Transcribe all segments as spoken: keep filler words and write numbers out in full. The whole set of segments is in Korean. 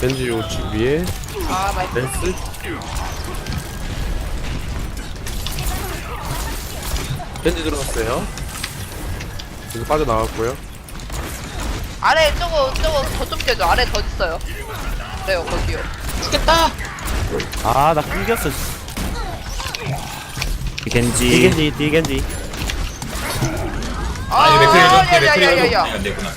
겐지 요치 위에 아 나이스. 댄스. 겐지 들어갔어요. 이거 빠져나왔고요. 아래 저거 저거 더 좀 깨줘. 아래 더 있어요. 그래요 거기요. 죽겠다. 아, 나 끊겼어. 겐지. 디겐지, 디겐지. 아, 아니 맥크리 좀 맥크리 좀 야야야야야. 안 됐구나.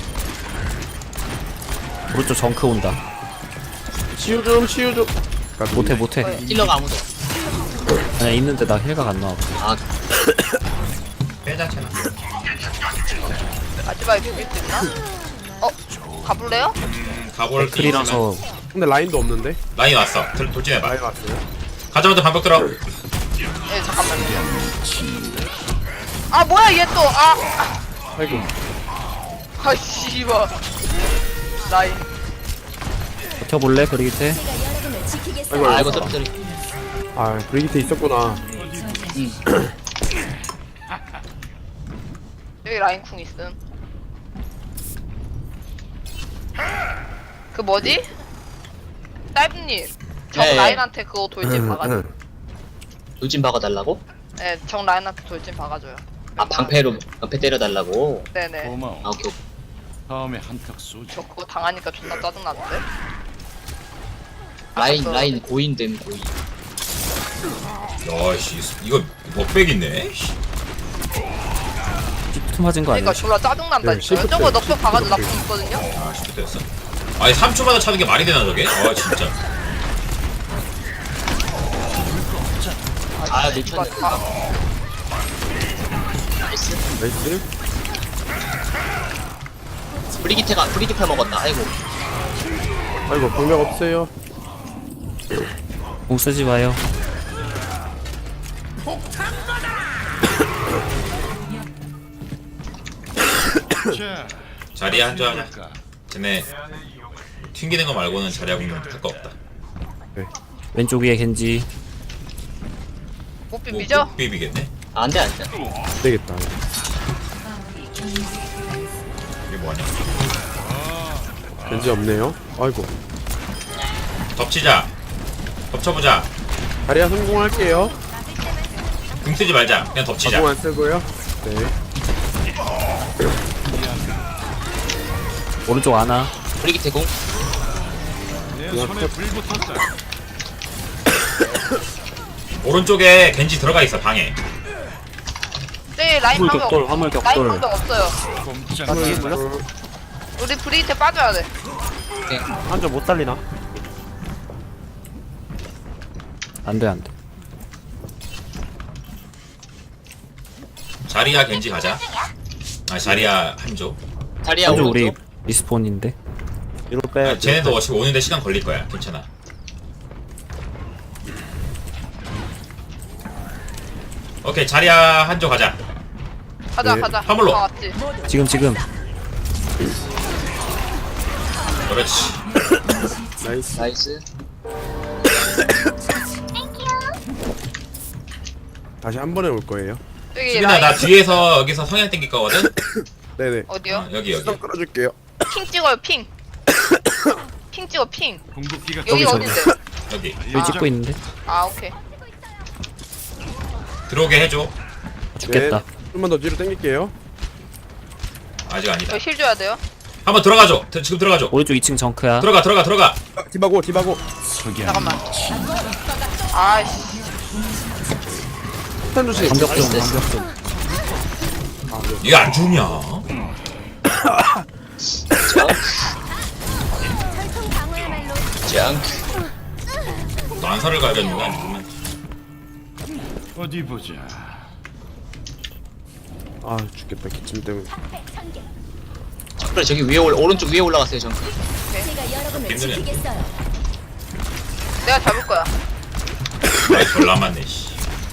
오른쪽 정크 온다. 치유 좀, 치유 좀. 못해 못해. 힐러가 아무도. 아니 있는데 나 힐각 안 나와. 아 빼자잖아. 마지막에 비빌 수 있나? 어 가볼래요? 음, 가볼 크리라서 근데 라인도 없는데? 라인 왔어. 돌- 돌진해봐. 라인 왔어요. 가자마자 반복 들어. 네 잠깐만요. 아 뭐야 얘 또. 아. 아이고. 아 씨발. 라인. 버텨볼래 브리기테? 아이고, 아 아이고. 이거 떨어뜨리. 아, 브리기테 있었구나. 여기 라인 쿵 있음. 그 뭐지? 딸브님. 정 네. 라인한테 그거 돌진 박아줘. 돌진 박아달라고? 네, 정 라인한테 돌진 박아줘요. 아 방패로 방패 때려달라고? 네네. 고마워. 아 오케이. 다음에 한턱 쏘지. 저 그거 당하니까 존나 짜증나는데? 라인 알았어. 라인 고인됨 고인. 야씨 이거 먹백 있네. 씨. 툭 맞은 거 아니야? 그러니까 졸라 짜증난다니까요. 네, 시프트, 저거 넉백 시프트 박아도 그렇게. 나쁜 있거든요? 아 시프트였어. 아니 삼 초마다 차는 게 말이 되나 저게? 아 진짜. 아 이거 놓쳤네. 다 나이스. 나이스. 브리기테가 브리기테 먹었다. 아이고. 아이고, 방벽 없어요. 공 쓰지 마요. 자, 자리에 한조 하냐. 볼까? 쟤네 튕기는 거 말고는 자리하고는 할 거 없다. 왼쪽 위에 겐지. 못 뭐, 비비죠? 못 비비겠네. 아, 안돼 안돼. 안 되겠다. 이게 뭐하냐. 겐지 없네요. 아이고. 덮치자. 덮쳐보자. 다리야 성공할게요. 궁 쓰지 말자. 그냥 덮치자. 자동 안 쓰고요. 네. 오른쪽 아나. 브리기테 공. 내 손에 불 붙었다. 오른쪽에 겐지 들어가 있어 방에. 네, 라인 화물 방벽. 격돌, 화물 라인 격돌. 방벽 없어요. 꼼짝. 아, 뒤에 물렸어? 우리 브리한테 빠져야 돼. 한점 못 살리나? 안돼 안돼. 자리야 겐지 가자. 아 자리야 한조. 다리야 한쪽 오른쪽. 우리 리스폰인데. 뒤로 빼. 아, 쟤네도 어차피 오는데 시간 걸릴 거야. 괜찮아. 오케이 자리야 한조 가자. 가자, 네. 가자. 화물로. 다 왔지. 지금 지금. 그렇지. 나이스. 나이스. 다시 한 번에 올 거예요. 여기 수빈아 라인 나 뒤에서 여기서 성향 땡길 거거든. 네네. 어디요? 어, 여기 여기. 수상 끌어줄게요. 핑 찍어요, 핑. 핑 찍어, 핑. 궁극기가 여기 저기, 어딘데? 여기 여기 찍고 있는데. 아, 오케이. 들어오게 해줘. 죽겠다. 네. 좀만 더 뒤로 당길게요. 아직 아니다. 저 힐 줘야 돼요. 한번 들어가줘. 들- 지금 들어가줘. 오른쪽 이 층 정크야. 들어가 들어가 들어가. 아, 디바고 디바고. 석양. 잠깐만. 아이씨. 스탄 조심. 반격 좀 나이스. 반격 좀. 이거 안 죽냐? 짱. 난사를 가겠는가? 아니면 어디 보자. 아 죽겠다 기침 때문에. 그래 저기 위에 올 오른쪽 위에 올라갔어요 정크. 힘드네. 내가 잡을 거야. 나이 졸 남았네. 씨.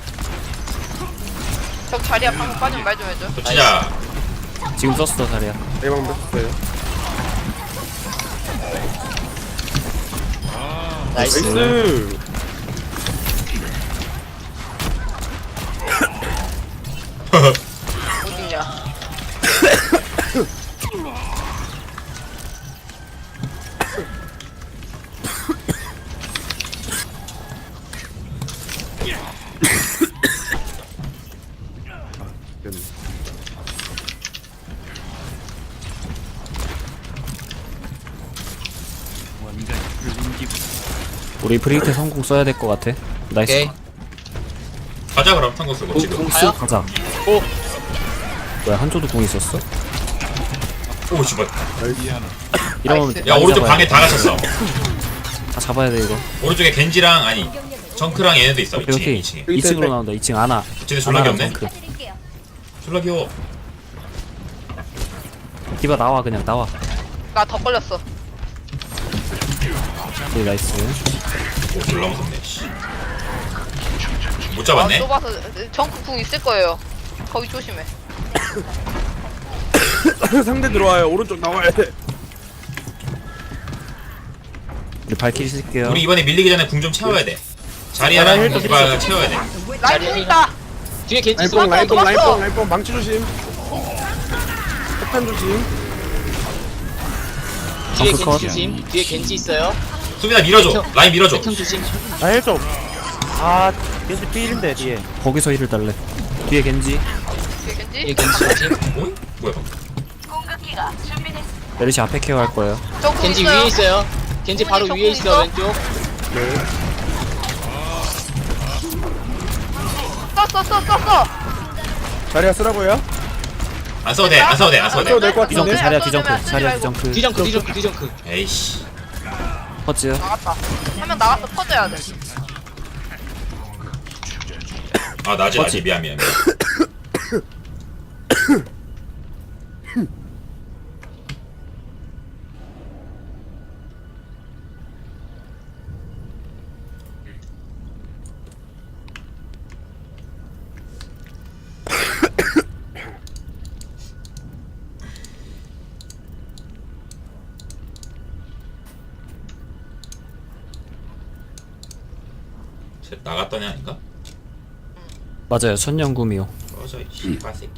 저 자리야 방금 빠지면 말 좀 해줘. 덮치자. 지금 썼어 자리야. 대방 뺐어요. 나이스. 나이스. 어딨냐. 우리 브레이크 성공 써야 될 것 같아. 나이스. 오케이. 가자 그럼 탕거 쓰고 지금. 궁 가요? 쓰 가자. 오. 뭐야 한조도 궁 있었어? 오 씨발. 이러면 나이스. 야 많이 오른쪽 잡아야 방에 돼. 다 갇혔어. 다 잡아야 돼 이거. 오른쪽에 겐지랑 아니 정크랑 얘네도 있어. 오케이 이 층에 오케이. 이 층에. 여기 이 층으로 있다. 나온다. 이 층 아나. 쟤네 졸라 아나랑 귀엽네. 정크. 졸라 귀여워. 디바 나와 그냥 나와. 나 더 걸렸어. 오케이 나이스. 오 졸라 무섭네. 씨. 못 아, 잡았네. 좁아서 정크 궁 있을 거예요. 거기 조심해. 상대 들어와요. 오른쪽 나와야 돼. 우리 발키리 쓸게요. 우리 이번에 밀리기 전에 궁 좀 채워야 돼. 자리야랑 디바가 채워야 돼. 라인 공 있다. 뒤에 겐지 있어. 라인뽕 라인뽕 도망쳐. 라인뽕 라인뽕 망치 조심. 폭탄 조심. 뒤에 정크 컷. 겐지 조심. 뒤에 겐지 있어요. 수빈아 밀어줘. 라인 밀어줘. 백형 조심. 나 힐 좀. 아 겐지 필인데 뒤에. 거기서 힐을 달래. 뒤에 겐지. 뒤에 뒤에 겐지. 겐지 조심. 어이? 뭐야 방금. 메르시 앞에 케어할 거예요. 정크 겐지 있어요. 위에 있어요. 겐지 바로 정크 위에 있어 있어? 왼쪽. 썼어 썼어 썼어. 자리야 쓰라고요? 안 써도 돼. 안 써도 돼. 안 써도 써도 돼. 될것 뒤정크 같은데? 자리야 쓰지 말고, 뒤정크 쓰지 자리야 말고. 뒤정크. 뒤정크 뒤정크 뒤정크. 에이씨. 퍼즈. 나갔다. 한 명 나갔어. 퍼져야 돼. 아 나지 맞지? 나지 미안 미안. 미안. 쟤 나갔더니 아닌가? 맞아요. 천년구미호. 꺼져 이 씨발 새끼.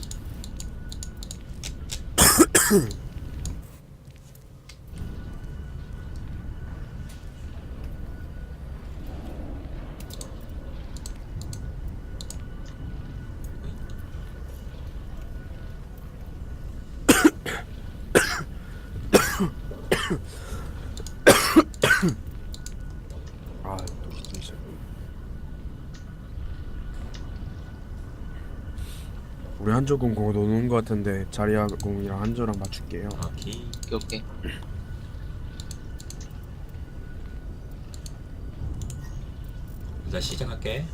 아, 진짜. 우리 한조 공 그거 노는 거 같은데 자리야 공이랑 한조랑 맞출게요. 오케이. 오케이 오케이. 일단 시작할게.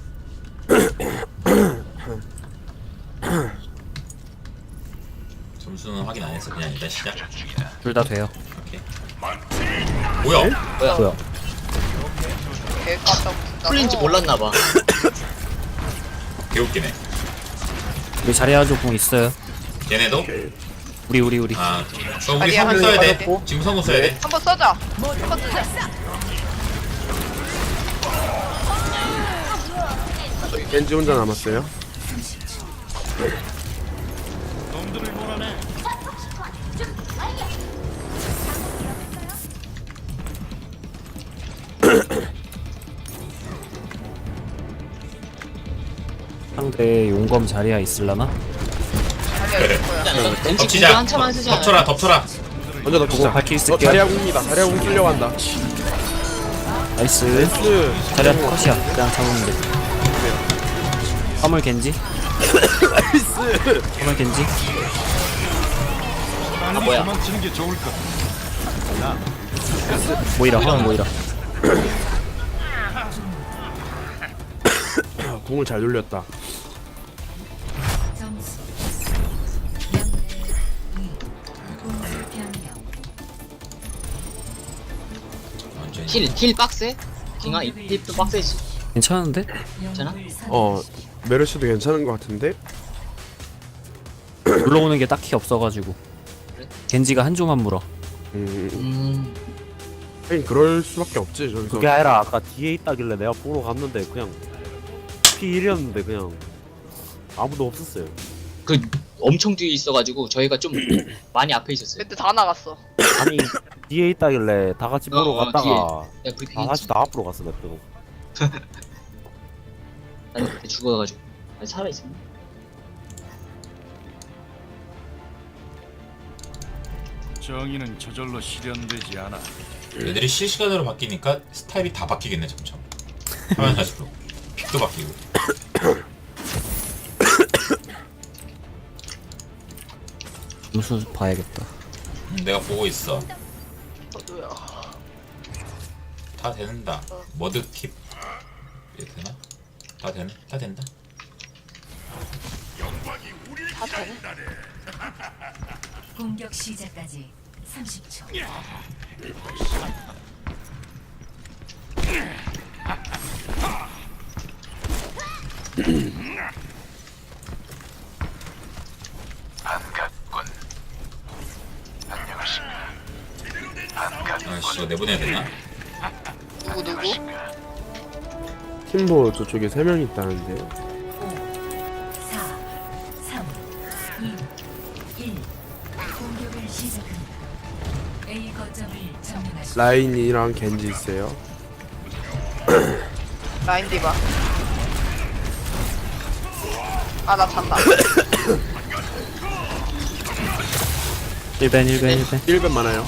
점수는 확인 안 했어. 그냥 일단 시작. 둘 다 돼요. 오케이. 뭐야? 뭐야? 뭐야? 개 깜짝 놀랐다. 풀린지 몰랐나봐. 개웃기네. 우리 자리야조 궁 있어요. 얘네도? 우리 우리 우리. 아, 그럼 우리 아니야, 성공 써야 돼. 빠졌고. 지금 성공 써야 돼. 한번 써자. 한번 쓰자. 겐지 혼자 남았어요. 놈들을 몰아내. 상대 용검 자리야 있을라나? 자리야 있을 거야. 겐지 궁도 덮치자. 한참 쓰지 않아요? 덮쳐라, 덮쳐라. 먼저 넣고. 발키리 어, 쓸게요. 자리야 공입니다. 자리야 공 쓰려고 한다. 나이스. 나이스. 자리야 컷이야. 그냥 잡으면 돼. 화물 겐지. 나이스. 화물 겐지. 아 뭐야? 도망치는 게 좋을 것. 모이라 화물 모이라. 공을 잘 돌렸다. 점수 영 대 이 공수 변경 완전히. 힐, 힐 빡세? 킹아 이 힐도 빡세지. 괜찮은데? 괜찮아? 어, 메르시도 괜찮은 것 같은데? 물러오는 게 딱히 없어가지고. 겐지가 한 조만 물어. 음, 음. 하긴 그럴 수밖에 없지. 저기서. 그게 아니라 아까 뒤에 있다길래 내가 보러 갔는데 그냥 피 일이었는데 그냥 아무도 없었어요. 그 엄청 뒤에 있어가지고 저희가 좀 많이 앞에 있었어요. 그때 다 나갔어. 아니 뒤에 있다길래 다 같이 보러 어, 어, 갔다가 야 브리핑 다 했지. 같이 다 앞으로 갔어 내가. 난 그때 죽어가지고. 아니 살아있었나? 정의는 저절로 실현되지 않아. 애들이 실시간으로 바뀌니까 스타일이 다 바뀌겠네 점점. 화면 갈수록 픽도 바뀌고. 점수 봐야겠다. 음, 내가 보고 있어. 저도요. 다 된다. 머드 킵 이게 되나? 다 되나? 다 된다. 다 되네. 공격 시작까지 삼십 초. 아씨 이거 내보내야 되나? 누구 누구? 팀보 저쪽에 세 명 있다는데요. 사, 삼, 이, 일. 공격을 시작합니다. A 거점을 점령하십시오. 라인이랑 겐지 있어요. 라인 디바. 아 나 잔다. 일 벤 일 벤 일 벤. 일 벤 많아요.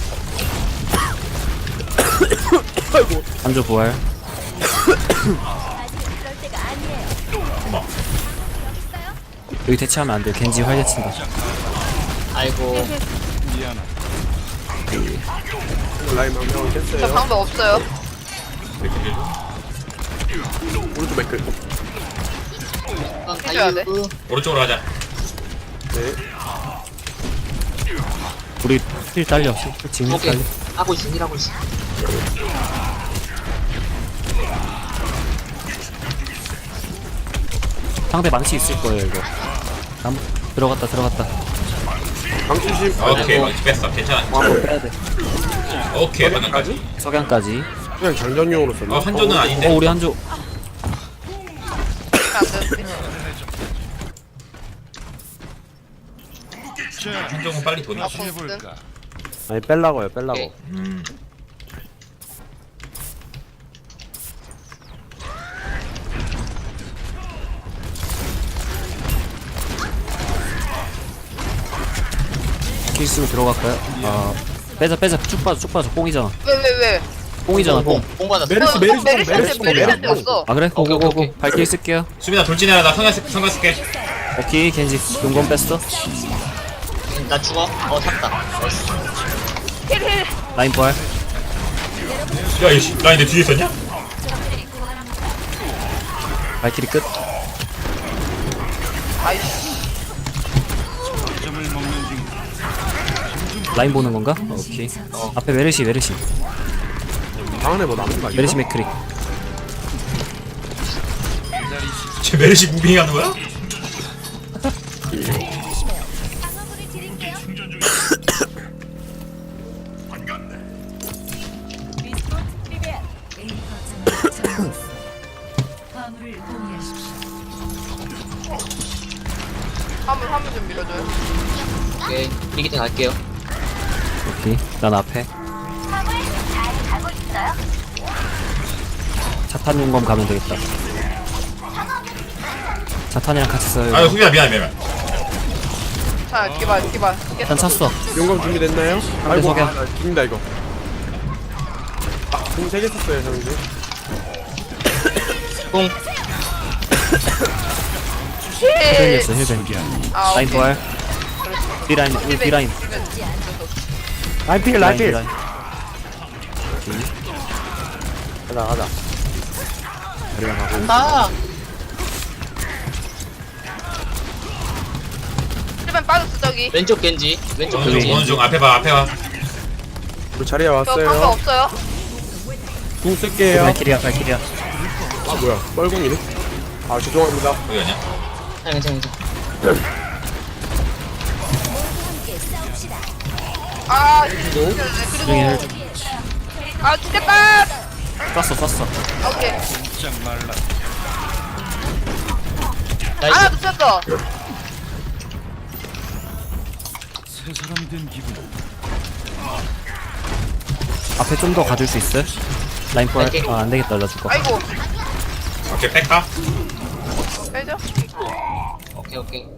한조 부활. 어머. 여기 대체하면 안 돼. 겐지 활 대친다. 아이고 라인 한 명은 저 깼어요. 방법 없어요. 맥크리 오른쪽 맥클. 난 해줘야 돼. 다이브 오른쪽으로 가자. 네. 우리 힐 딸려. 힐 지금 힐 오케이 딸려. 하고 있어 일하고 있어. 상대 망치 있을 거예요 이거. 남 들어갔다 들어갔다. 방치심. 오케이 망치 뺐어. 괜찮아. 한번 빼야 돼. 오케이 방금까지. 석양까지. 그냥 장전용으로 썼나? 어 한조는 아닌데. 어 우리 한조. 안 되는데. 한조는 빨리 돈이. 아, 해볼까? 아니 뺄라고요 뺄라고. 오케이. 음. 길 있으면 들어갈까요? 아 빼자 빼자 쭉 빠져 쭉 빠져. 뽕이잖아. 왜 왜 왜? 뽕이잖아 뽕. 뽕 받았어. 메르시, 어, 메르시, 메르시한테 메르시, 메르시한테 메르시. 왔어. 아 그래? 오케이, 오케이, 고고고고. 오케이. 발길 쓸게요. 수빈아 돌진해라. 나 성가 성가 쓸게. 오케이 겐지 용건 뺐어. 나 죽어. 어 샀다. 힐힐. 라인 부활. 야 이씨 라인 내 뒤에 있었냐? 발길이 끝. 아이씨. 점을 먹는 중. 라인 보는 건가? 어, 오케이. 앞에 메르시 메르시 방 안에 뭐 남은 거 아니야? 메르시 맥크리. 쟤 메르시 무빙 하는 거야? A 거점을 점령했습니다. 화물을 공유하십시오. 화물 화물 좀 밀어줘요. 오케이 브리기테 갈게요. 오케이. 난 앞에. 차탄 용검 가면 되겠다. 차탄이랑 같이 써요. 아 수빈아 미안 미안. 자 디바 디바. 깼어. 난 찼어. 용검 준비됐나요? 아이고, 석양. 아, 나 죽는다 이거. 아, 공 세 개 썼어요, 형님. 뽕. 힐. 힐벤이었어 힐벤. 아 라인 오케이. 부활. B라인 우리 B라인. 라인 필 라인 라인 필. B라인. 가자 가자. 나. 힐벤 빠졌어 저기. 왼쪽 겐지. 왼쪽 어느 중 겐지. 어느 중 앞에 봐 앞에 봐. 우리 자리에 저 방법 왔어요. 없어요. 궁 쓸게요. 발길이야 발길이야. 아 뭐야? 뻘궁이네. 아 죄송합니다. 어디 갔냐? 아, 괜찮아 괜찮아. 아 중에 그리고 힐 아 죽겠다. 쐈어 쐈어. 오케이. 짝 말라. 하나 나이스. 붙였어. 새 사람 된 기분. 앞에 좀 더 가줄 수 있어? 라인 부활. 갈게. 아 안되겠다 나 죽어. 아이고. 오케이 뺄까? 빼죠. 오케이 오케이.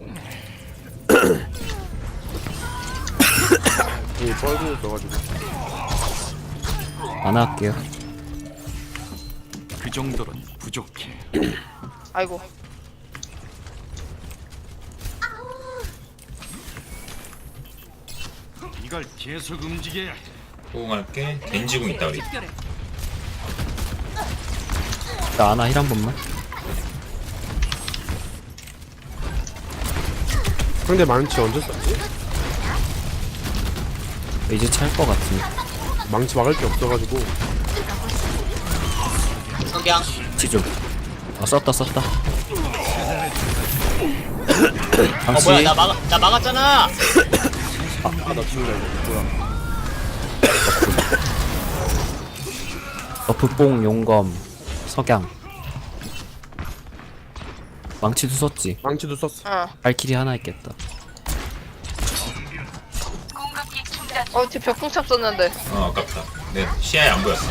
이 뻘궁 써가지고. 안 할게요. 그 정도는 부족해. 아이고. 이걸 계속 움직여야 해. 호응할게. 겐지궁 있다 우리. 나 아나 힐 한 번만. 상대 망치 언제 썼지? 이제 찰 것 같은데. 망치 막을 게 없어가지고. 석양. 지좀. 아 썼다 썼다. 어 당시 뭐야 나 막아 나 막았잖아. 아나 죽는다 이거. 뭐야? 너프뽕 용검 석양. 망치도 썼지. 망치도 썼어. 어. 발키리 하나 있겠다. 어, 쟤 벽궁참 썼는데. 어 아깝다. 내 시야에 안 보였어.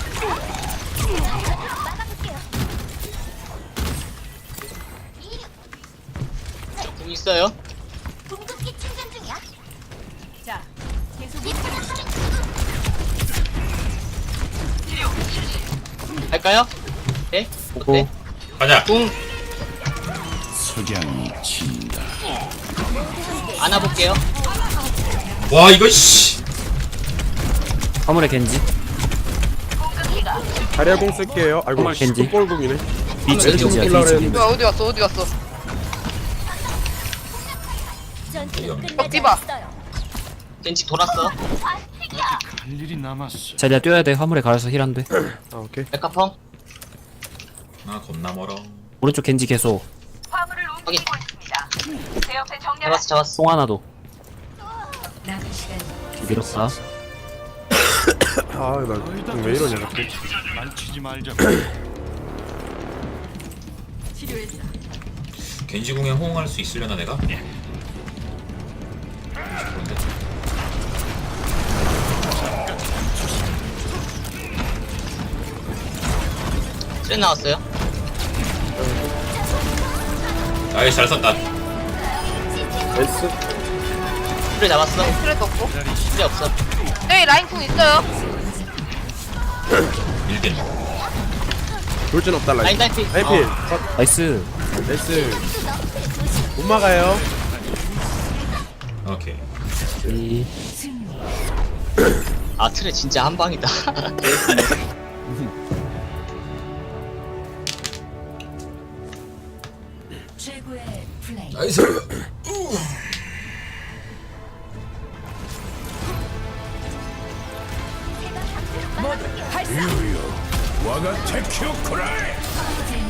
궁 있어요. 할까요? 네? 어때? 가자. 궁 석양이 친다. 안아볼게요. 와 이거 씨. 화물의 겐지. 자리야 공 쓸게요. 아이고 정말 겐지. fut볼공이네. 비치 겐지 겐지야 올라오라 비치 했는데. 겐지. 뭐야, 어디 갔어, 어디 갔어. 벽 디바. 겐지 돌았어. 할 일이 남았어. 자리야 뛰어야 돼. 화물에 가려서 힐 안 돼. 아 오케이. 백화펑. 아 겁나 멀어. 오른쪽 겐지 계속. 확인. 잡았어 잡았어. 송 하나도. 남은 시간 밀었다. 아나왜 이러냐 자꾸. 만치지 말자. 겐지궁에 호응할 수 있으려나 내가? 그런데. 트레 나왔어요. 아이 잘 썼다. S. 트레 잡았어. 트레도 없고. 트레 없어. 저기 라인궁 있어요. 일겐. 돌진 없달라. 라인 딸피. 라인필. 어. 나이스. S. 못 막아요. 오케이. 이 아 트레 진짜 한 방이다. 최고의 플레이. 나이스. 와가 테큐 쿠라이.